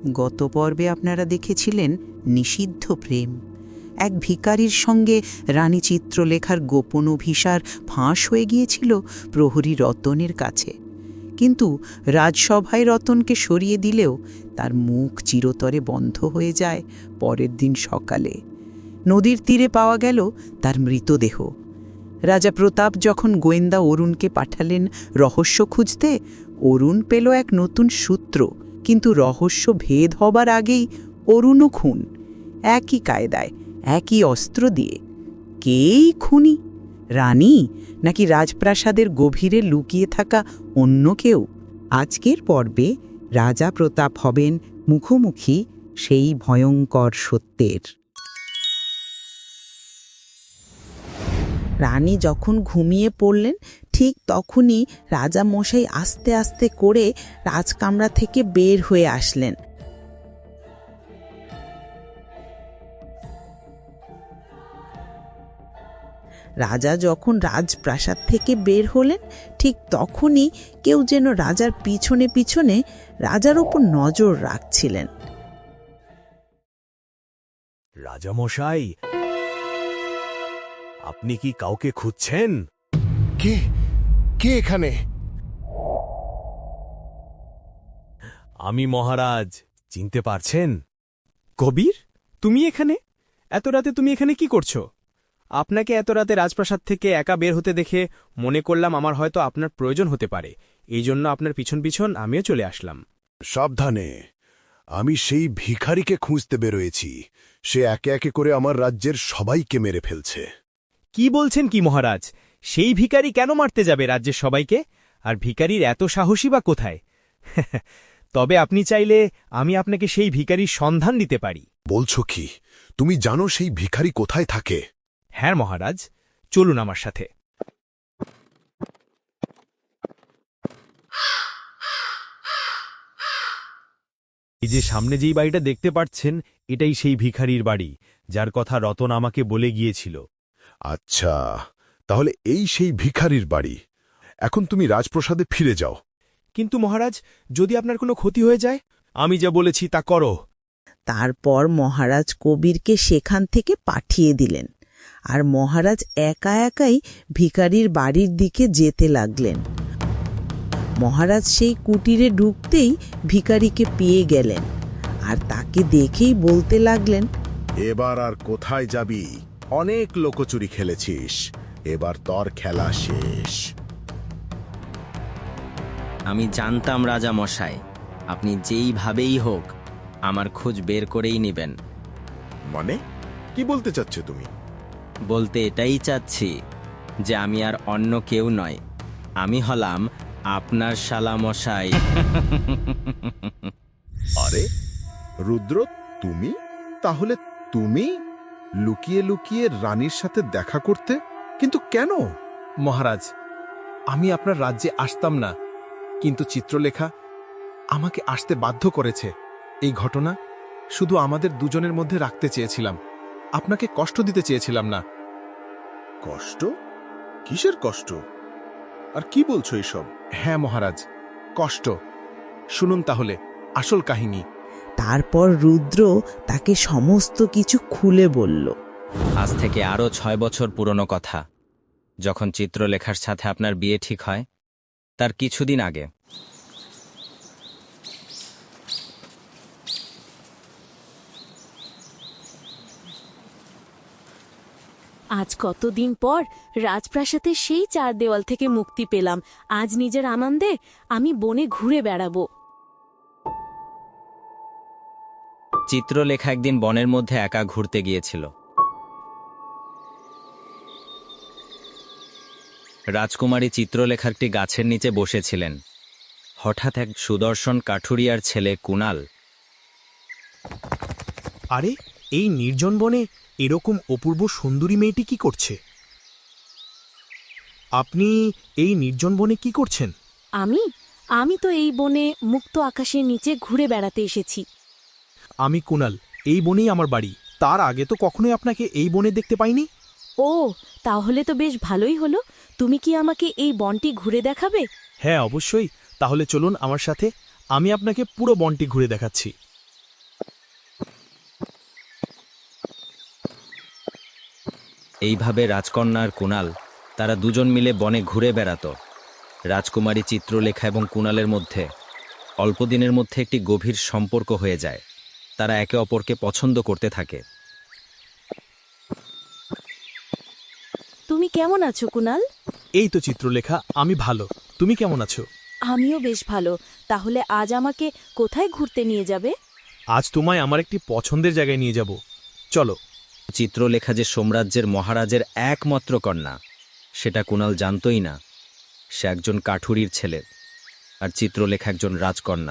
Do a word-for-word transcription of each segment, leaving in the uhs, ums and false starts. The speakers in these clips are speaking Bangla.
গত পর্বে আপনারা দেখেছিলেন নিষিদ্ধ প্রেম। এক ভিখারির সঙ্গে রানী চিত্রলেখার গোপন অভিসার ফাঁস হয়ে গিয়েছিল প্রহরী রতনের কাছে, কিন্তু রাজসভায় রতনকে সরিয়ে দিলেও তার মুখ চিরতরে বন্ধ হয়ে যায় পরের দিন সকালে। নদীর তীরে পাওয়া গেল তার মৃতদেহ। রাজা প্রতাপ যখন গোয়েন্দা অরুণকে পাঠালেন রহস্য খুঁজতে, অরুণ পেল এক নতুন সূত্র, কিন্তু রহস্য ভেদ হবার আগেই অরুণও খুন, একই কায়দায়, একই অস্ত্র দিয়ে। কেই খুনি? রানী, নাকি রাজপ্রাসাদের গভীরে লুকিয়ে থাকা অন্য কেউ? আজকের পর্বে রাজা প্রতাপ হবেন মুখোমুখি সেই ভয়ঙ্কর সত্যের। রানী যখন ঘুমিয়ে পড়লেন, ঠিক তখনই রাজা মশাই আস্তে আস্তে করে রাজকামরা থেকে বের হয়ে আসলেন। রাজা যখন রাজপ্রাসাদ থেকে বের হলেন, ঠিক তখনই কেউ যেন রাজার পিছনে পিছনে রাজার উপর নজর রাখছিলেন। রাজামশাই, আপনি কি কাউকে খুঁজছেন? কে কে এখানে? আমি মহারাজ, চিনতে পারছেন? কবির, তুমি এখানে? এত রাতে তুমি এখানে কি করছো? আপনাকে এত রাতে রাজপ্রাসাদ থেকে একা বের হতে দেখে মনে করলাম আমার হয়তো আপনার প্রয়োজন হতে পারে, এই জন্য আপনার পিছন পিছন আমিও চলে আসলাম। সাবধানে, আমি সেই ভিখারিকে খুঁজতে বেরোয়েছি। সে একে একে করে আমার রাজ্যের সবাইকে মেরে ফেলছে। কি বলছেন কি মহারাজ? সেই ভিখারি কেন মারতে যাবে রাজ্যের সবাইকে? আর ভিখারির এত সাহসী বা কোথায়? তবে আপনি চাইলে আমি আপনাকে সেই ভিখারির সন্ধান দিতে পারি। বলছো কি? তুমি জানো সেই ভিখারি কোথায় থাকে? হ্যাঁ মহারাজ, চলুন আমার সাথে। এই যে সামনে যেই বাড়িটা দেখতে পাচ্ছেন, এটাই সেই ভিখারির বাড়ি, যার কথা রতন আমাকে বলে গিয়েছিল। আচ্ছা, তাহলে এই সেই ভিখারির বাড়ি। এখন তুমি রাজপ্রাসাদে ফিরে যাও। কিন্তু মহারাজ, যদি আপনার কোনো ক্ষতি হয়ে যায়? আমি যা বলেছি তা করো। তারপর মহারাজ কবিরকে সেখান থেকে পাঠিয়ে দিলেন, আর মহারাজ একা একাই ভিখারির বাড়ির দিকে যেতে লাগলেন। মহারাজ সেই কুটিরে ঢুকতেই ভিখারিকে পেয়ে গেলেন, আর তাকে দেখেই বলতে লাগলেন, এবার আর কোথায় যাবি? অনেক লোকচুরি খেলেছিস, এবার তোর খেলা শেষ। আমি জানতাম রাজা মশাই, আপনি যেইভাবেই হোক আমার খোঁজ বের করেই নেবেন। মানে কি বলতে চাচ্ছ তুমি? বলতে এটাই চাচ্ছি যে আমি আর অন্য কেউ নয়, আমি হলাম আপনার শালা মশাই। আরে রুদ্র, তুমি? তাহলে তুমি লুকিয়ে লুকিয়ে রানীর সাথে দেখা করতে? কিন্তু কেন? মহারাজ, আমি আপনার রাজ্যে আসতাম না, কিন্তু চিত্রলেখা আমাকে আসতে বাধ্য করেছে। এই ঘটনা শুধু আমাদের দুজনের মধ্যে রাখতে চেয়েছিলাম, আপনাকে কষ্ট দিতে চেয়েছিলাম না। কষ্ট? কিসের কষ্ট? আর কি বলছো এসব? হ্যাঁ মহারাজ, কষ্ট। শুনুন তাহলে আসল কাহিনী। তারপর রুদ্র তাকে সমস্ত কিছু খুলে বলল। আজ থেকে আরও ছয় বছর পুরনো কথা, যখন চিত্রলেখার সাথে আপনার বিয়ে ঠিক হয়, তার কিছুদিন আগে। আজ কতদিন পর রাজপ্রাসাদের সেই চার দেওয়াল থেকে মুক্তি পেলাম। আজ নিজের আনন্দে আমি বনে ঘুরে বেড়াবো। চিত্রলেখা একদিন বনের মধ্যে একা ঘুরতে গিয়েছিল। রাজকুমারী চিত্রলেখা একটি গাছের নিচে বসেছিলেন। হঠাৎ এক সুদর্শন কাঠুরিয়ার ছেলে কুণাল। আরে, এই নির্জন বনে এরকম অপূর্ব সুন্দরী মেয়েটি কি করছে? আপনি এই নির্জন বনে কি করছেন? আমি আমি তো এই বনে মুক্ত আকাশের নিচে ঘুরে বেড়াতে এসেছি। আমি কুণাল, এই বনেই আমার বাড়ি। তার আগে তো কখনোই আপনাকে এই বনে দেখতে পাইনি। ও, তাহলে তো বেশ ভালোই হলো। তুমি কি আমাকে এই বনটি ঘুরে দেখাবে? হ্যাঁ, অবশ্যই। তাহলে চলুন আমার সাথে, আমি আপনাকে পুরো বনটি ঘুরে দেখাচ্ছি। এইভাবে রাজকন্যা আর কুণাল তারা দুজন মিলে বনে ঘুরে বেড়াত। রাজকুমারী চিত্রলেখা এবং কুণালের মধ্যে অল্প দিনের মধ্যে একটি গভীর সম্পর্ক হয়ে যায়। তারা একে অপরকে পছন্দ করতে থাকে। তুমি কেমন আছো কুণাল? এই তো চিত্রলেখা, আমি ভালো। তুমি কেমন আছো? আমিও বেশ ভালো। তাহলে আজ আমাকে কোথায় ঘুরতে নিয়ে যাবে? আজ তোমায় আমার একটি পছন্দের জায়গায় নিয়ে যাব, চলো। চিত্রলেখা যে সোমরাজ্যের মহারাজের একমাত্র কন্যা, সেটা কুণাল জানতই না। সে একজন কাঠুরির ছেলে, আর চিত্রলেখা একজন রাজকন্যা।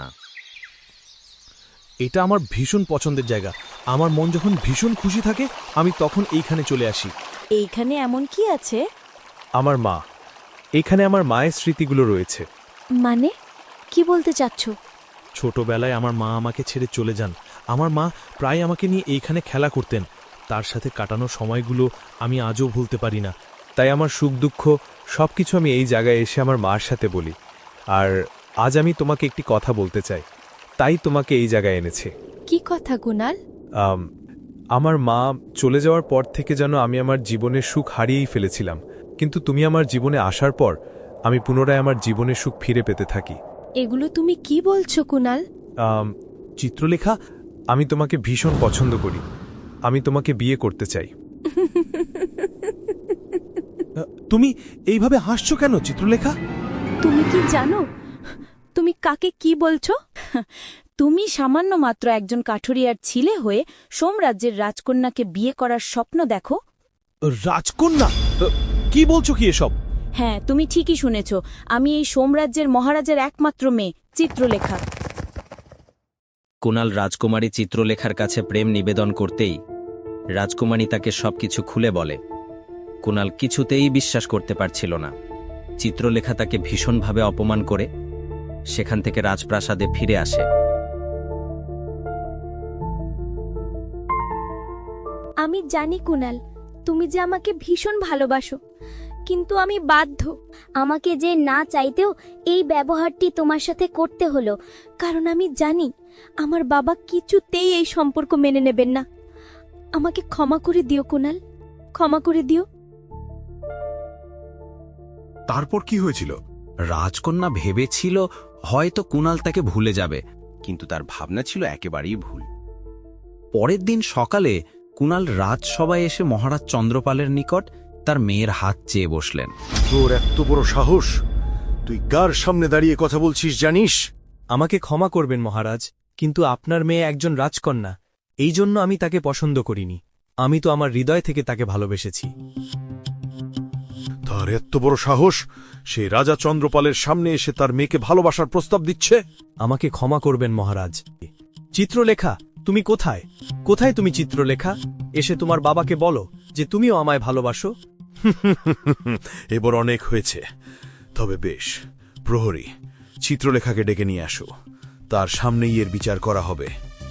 এটা আমার ভীষণ পছন্দের জায়গা। আমার মন যখন ভীষণ খুশি থাকে আমি তখন এইখানে চলে আসি। এইখানে এমন কি আছে? আমার মা, এখানে আমার মায়ের স্মৃতিগুলো রয়েছে। মানে কি বলতে চাচ্ছ? ছোটবেলায় আমার মা আমাকে ছেড়ে চলে যান। আমার মা প্রায় আমাকে নিয়ে এইখানে খেলা করতেন। তার সাথে কাটানো সময়গুলো আমি আজও ভুলতে পারি না। তাই আমার সুখ দুঃখ সব কিছু আমি এই জায়গায় এসে আমার মার সাথে বলি। আর আজ আমি তোমাকে একটি কথা বলতে চাই, তাই তোমাকে এই জায়গায় এনেছে। কি কথা কুণাল? আম, আমার মা চলে যাওয়ার পর থেকে যেন আমি আমার জীবনের সুখ হারিয়েই ফেলেছিলাম, কিন্তু তুমি আমার জীবনে আসার পর আমি পুনরায় আমার জীবনের সুখ ফিরে পেতে থাকি। এগুলো তুমি কি বলছো কুণাল? আম, চিত্রলেখা, আমি তোমাকে ভীষণ পছন্দ করি। আমি তোমাকে বিয়ে করতে চাই। তুমি এইভাবে হাসছো কেন চিত্রলেখা? তুমি কি জানো তুমি কাকে কি বলছো? তুমি সামান্য মাত্র একজন কাঠুরিয়ার ছিলে হয়ে সোমরাজ্যের রাজকন্যাকে বিয়ে করার স্বপ্ন দেখো। রাজকন্যা? কি বলছো কি এসব? হ্যাঁ, তুমি ঠিকই শুনেছ। আমি এই সোমরাজ্যের মহারাজের একমাত্র মেয়ে চিত্রলেখা। কুণাল রাজকুমারী চিত্রলেখার কাছে প্রেম নিবেদন করতেই রাজকুমারী তাকে সবকিছু খুলে বলে। কুণাল কিছুতেই বিশ্বাস করতে পারছিল না। চিত্রলেখা তাকে ভীষণভাবে অপমান করে সেখান থেকে রাজপ্রাসাদে ফিরে আসে। আমি জানি কুণাল, তুমি যে আমাকে ভীষণ ভালোবাসো, কিন্তু আমি বাধ্য। আমাকে যে না চাইতেও এই ব্যবহারটি তোমার সাথে করতে হলো, কারণ আমি জানি আমার বাবা কিছুতেই এই সম্পর্ক মেনে নেবেন না। আমাকে ক্ষমা করে দিও কুণাল, ক্ষমা করে দিও। তারপর কি হয়েছিল? রাজকন্যা ভেবেছিল হয়তো কুণাল তাকে ভুলে যাবে, কিন্তু তার ভাবনা ছিল একেবারেই ভুল। পরের দিন সকালে কুণাল রাজসভায় এসে মহারাজ চন্দ্রপালের নিকট তার মেয়ের হাত চেয়ে বসলেন। তোর এত বড় সাহস! তুই কার সামনে দাঁড়িয়ে কথা বলছিস জানিস? আমাকে ক্ষমা করবেন মহারাজ, কিন্তু আপনার মেয়ে একজন রাজকন্যা, এই জন্য আমি তাকে পছন্দ করিনি। আমি তো আমার হৃদয় থেকে তাকে ভালোবেসেছি। তার এত বড় সাহস! সে রাজা চন্দ্রপালের সামনে এসে তার মেয়েকে ভালোবাসার প্রস্তাব দিচ্ছে। আমাকে ক্ষমা করবেন মহারাজ। চিত্রলেখা, তুমি কোথায়? কোথায় তুমি চিত্রলেখা? এসে তোমার বাবাকে বলো যে তুমিও আমায় ভালোবাসো। এবার অনেক হয়েছে। তবে বেশ, প্রহরী, চিত্রলেখাকে ডেকে নিয়ে আসো। তার সামনেই এর বিচার করা হবে।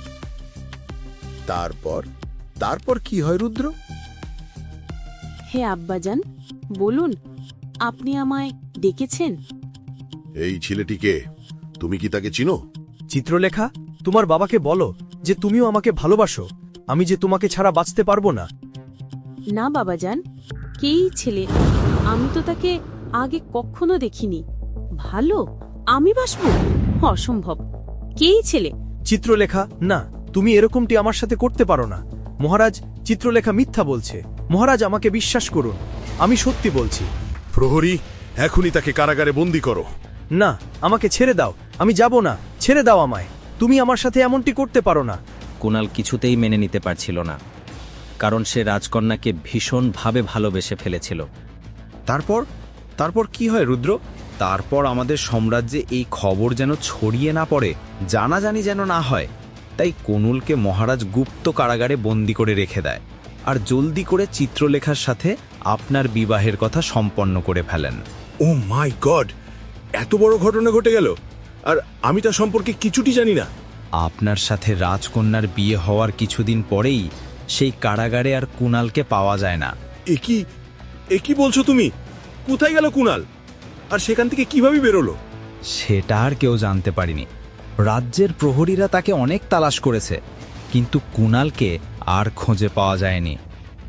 তারপর তারপর কি হয় রুদ্র? হে আব্বাজান, বলুন, আপনি আমায় ডেকেছেন? এই ছেলেটিকে তুমি কি তাকে চিনো? চিত্রলেখা, তোমার বাবাকে বলো যে তুমিও আমাকে ভালোবাসো। আমি যে তোমাকে ছাড়া বাঁচতে পারবো না। না বাবাজান, কেই ছেলে? আমি তো তাকে আগে কখনো দেখিনি। ভালো আমি বাসবো? অসম্ভব। কেই ছেলে? চিত্রলেখা, না, তুমি এরকমটি আমার সাথে করতে পারো না। মহারাজ, চিত্রলেখা মিথ্যা বলছে। মহারাজ, আমাকে বিশ্বাস করুন, আমি সত্যি বলছি। প্রহরী, এখনই তাকে কারাগারে বন্দী করো। না, আমাকে ছেড়ে দাও। আমি যাব না, ছেড়ে দাও আমায়। তুমি আমার সাথে এমনটি করতে পারো না। কুণাল কিছুতেই মেনে নিতে পারছিল না, কারণ সে রাজকন্যাকে ভীষণভাবে ভালোবেসে ফেলেছিল। তারপর তারপর কি হয় রুদ্র? তারপর আমাদের সাম্রাজ্যে এই খবর যেন ছড়িয়ে না পড়ে, জানাজানি যেন না হয়, তাই কুণালকে মহারাজ গুপ্ত কারাগারে বন্দি করে রেখে দেয় আর জলদি করে চিত্রলেখার সাথে আপনার বিবাহের কথা সম্পন্ন করে ফেলেন। Oh my god! এত বড় ঘটনা ঘটে গেল, আর আমি তার সম্পর্কে কিছুটি জানি না। আপনার সাথে রাজকন্যার বিয়ে হওয়ার কিছুদিন পরেই সেই কারাগারে আর কুণালকে পাওয়া যায় না। এ কি এ কি বলছো তুমি? কোথায় গেল কুণাল? আর সেখান থেকে কিভাবে বেরোলো? সেটা আর কেউ জানতে পারেনি। রাজ্যের প্রহরীরা তাকে অনেক তালাশ করেছে, কিন্তু কুণালকে আর খোঁজে পাওয়া যায়নি।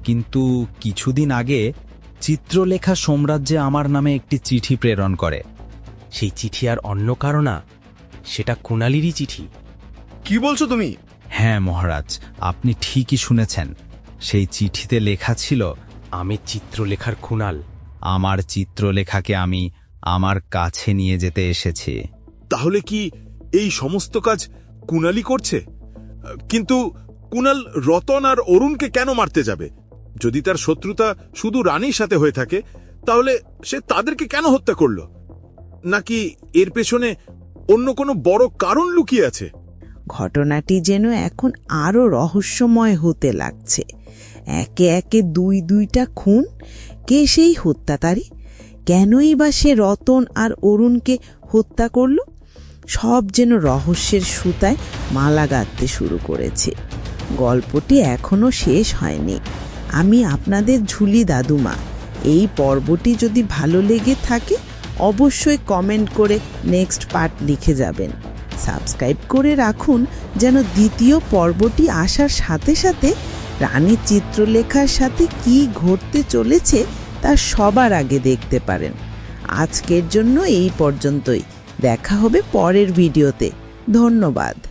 কিন্তু কিছুদিন আগে চিত্রলেখা সাম্রাজ্যে আমার নামে একটি চিঠি প্রেরণ করে। সেই চিঠি আর অন্য কারো না, সেটা কুণালিরই চিঠি। কি বলছো তুমি? হ্যাঁ মহারাজ, আপনি ঠিকই শুনেছেন। সেই চিঠিতে লেখা ছিল, আমি চিত্রলেখার কুণাল। আমার চিত্রলেখাকে আমি আমার কাছে নিয়ে যেতে এসেছি। তাহলে কি এই সমস্ত কাজ কুণালি করছে? কিন্তু কুণাল রতন আর অরুণকে কেন মারতে যাবে? যদি তার শত্রুতা শুধু রানীর সাথে হয়ে থাকে, তাহলে সে তাদেরকে কেন হত্যা করল? নাকি এর পেছনে অন্য কোনো বড় কারণ লুকিয়ে আছে? ঘটনাটি যেন এখন আরও রহস্যময় হতে লাগছে। একে একে দুই দুইটা খুন। কে সেই হত্যাকারী? কেনই বা সে রতন আর অরুণকে হত্যা করল? সব যেন রহস্যের সুতায় মালা গাঁথতে শুরু করেছে। গল্পটি এখনো শেষ হয়নি। আমি আপনাদের ঝুলি দাদুমা। এই পর্বটি যদি ভালো লেগে থাকে অবশ্যই কমেন্ট করে নেক্সট পার্ট লিখে যাবেন। সাবস্ক্রাইব করে রাখুন যেন দ্বিতীয় পর্বটি আসার সাথে সাথে রানী চিত্রলেখার সাথে কি ঘটতে চলেছে তা সবার আগে দেখতে পারেন। আজকের জন্য এই পর্যন্তই। দেখা হবে পরের ভিডিওতে। ধন্যবাদ।